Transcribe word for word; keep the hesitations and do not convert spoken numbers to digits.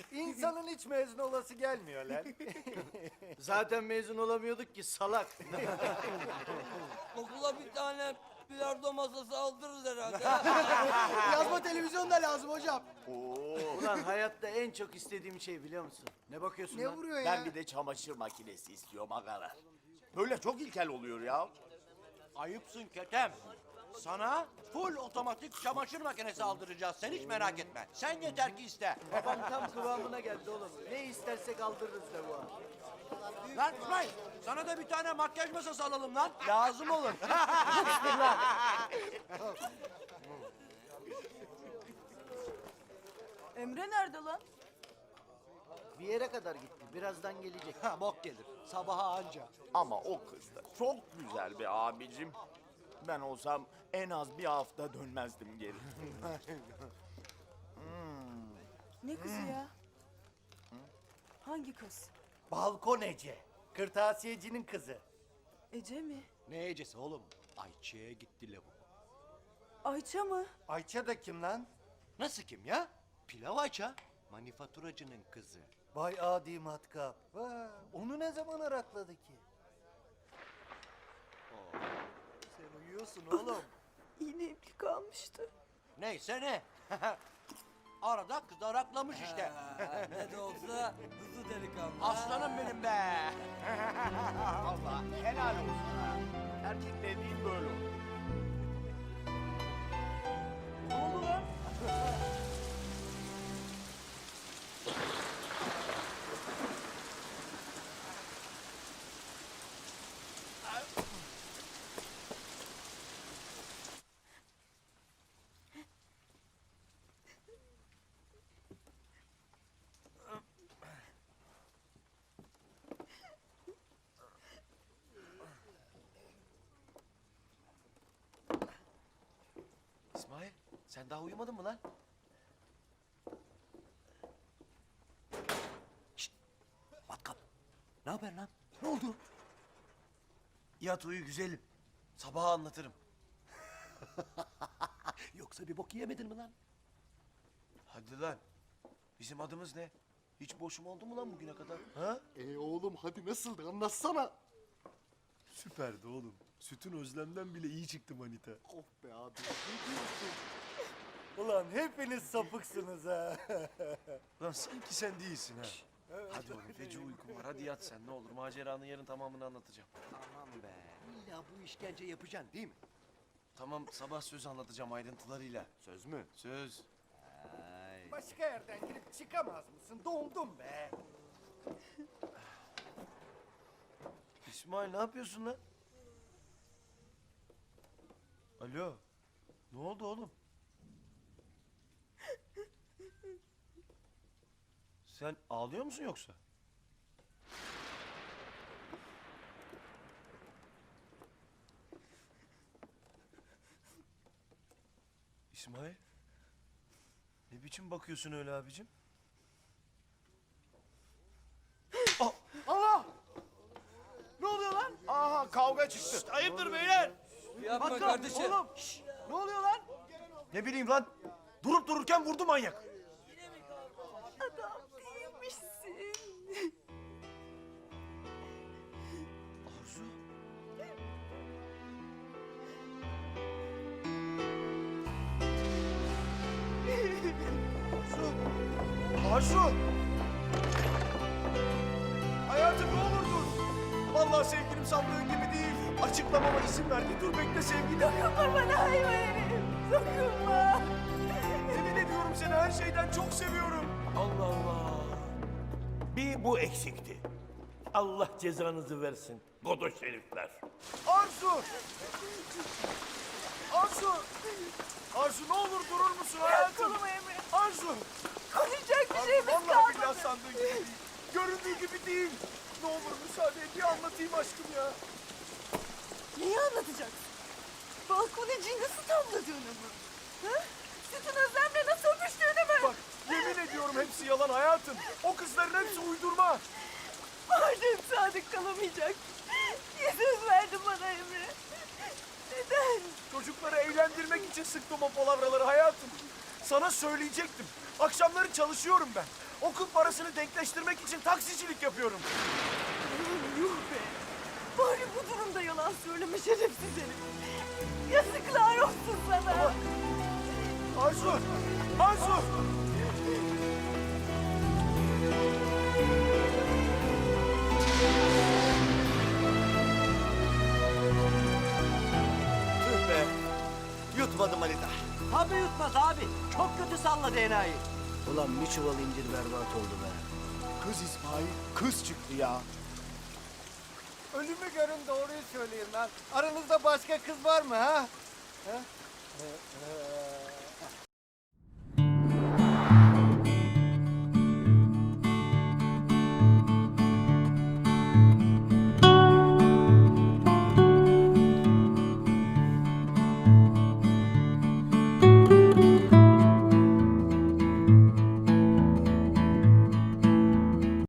İnsanın hiç mezun olası gelmiyor lan. Zaten mezun olamıyorduk ki salak. Okula bir tane bilardo masası aldırırız herhalde. Yazma televizyon da lazım hocam. Ulan hayatta en çok istediğim şey biliyor musun? Ne bakıyorsun Ne lan? vuruyor ya? Ben bir de çamaşır makinesi istiyorum agalar. Böyle çok ilkel oluyor ya. Ayıpsın Ketem. Sana full otomatik çamaşır makinesi aldıracağız. Sen hiç merak etme. Sen yeter ki iste. Babam tam kıvamına geldi oğlum. Ne istersek aldırırız de bu an. Lan İsmail, sana da bir tane makyaj masası alalım lan. Lazım olur. Emre nerede lan? Bir yere kadar gitti. Birazdan gelecek. Ha bok gelir. Sabaha anca. Ama o kız da çok güzel be abicim. Ben olsam en az bir hafta dönmezdim geri. Ne kızı ya? Hangi kız? Balkon Ece. Kırtasiyecinin kızı. Ece mi? Ne ecesi oğlum? Ayçiçeğe gitti lavuk. Ayça mı? Ayça da kim lan? Nasıl kim ya? Pilav Ayça. Manifaturacının kızı. Vay adi matkap. Vay, onu ne zaman arakladı ki? Sen uyuyorsun oğlum. Yine iplik almıştı. Neyse ne. Arada kız araklamış işte. Ha, ne de olsa hızlı delikanlı. Aslanım benim be. Vallahi helal olsun ha. Erkek dediğin böyle olur. Ne oldu lan? İsmail sen daha uyumadın mı lan? Şşt! Matkap. Ne haber lan? Ne oldu? Yat uyu güzelim. Sabaha anlatırım. Yoksa bir bok yemedin mi lan? Hadi lan. Bizim adımız ne? Hiç boşum oldu mu lan bugüne kadar? Ha? E oğlum hadi nasıldı anlatsana. Süperdi oğlum. Sütün Özlem'den bile iyi çıktı manita. Oh be abi. Ne diyorsun? Ulan hepiniz sapıksınız ha. Lan sanki sen değilsin ha. Hadi oğlum feci uykum var. Hadi yat sen ne olur. Maceranın yarın tamamını anlatacağım. Aman be. İlla bu işkence yapacaksın değil mi? Tamam sabah söz anlatacağım ayrıntılarıyla. Söz mü? Söz. Başka yerden girip çıkamaz mısın? Dondum be. İsmail ne yapıyorsun lan? Alo. Ne oldu oğlum? Sen ağlıyor musun yoksa? İsmail. Ne biçim bakıyorsun öyle abicim? Ne oluyor lan? Aha kavga çıktı. Ayıptır beyler. Yapma kardeşim. Oğlum. Şşş, ne oluyor lan? Ne bileyim lan. Durup dururken vurdu manyak. Adam değilmişsin. Arzu. Arzu. Arzu. Hayatım ne olur dur. Vallahi sevgilim sandığın gibi değil. Açıklamama izin verdi. Dur bekle sevgilim. Dokunma bana hayvan herif. Dokunma. Yemin ediyorum seni her şeyden çok seviyorum. Allah Allah. Bir bu eksikti. Allah cezanızı versin. Godoş herifler. Arzu. Arzu. Arzu ne olur durur musun hayatım? Kolumu Emre. Arzu. Konuşacak bir Arzu şeyimiz vallahi kalmadı. billahi sandığın gibi değil. Göründüğü gibi değil. Ne olur müsaade et bir anlatayım aşkım ya. Neyi anlatacaksın? Balkoneciyi nasıl tavladığını mı? Ha? Sütün Özlem'le nasıl öpüştüğünü mü? Bak yemin ediyorum hepsi yalan hayatım. O kızların hepsi uydurma. Madem sadık kalamayacak. Niye söz verdin bana Emre? Neden? Çocukları eğlendirmek için sıktım o palavraları hayatım. Sana söyleyecektim. Akşamları çalışıyorum ben. Okul parasını denkleştirmek için taksicilik yapıyorum. Yuh be. Bari bu durumda yalan söyleme şerefsiz herif. Yazıklar olsun sana. Arzu! Arzu! Tüh be. Yutmadım Manita. Tabii yutmaz abi. Çok kötü salladı enayi. Ulan bir çuval incir berbat oldu be. Kız İsmail, kız çıktı ya. Ölümü görün doğruyu söyleyin lan. Aranızda başka kız var mı ha? Ha? Ee, ee,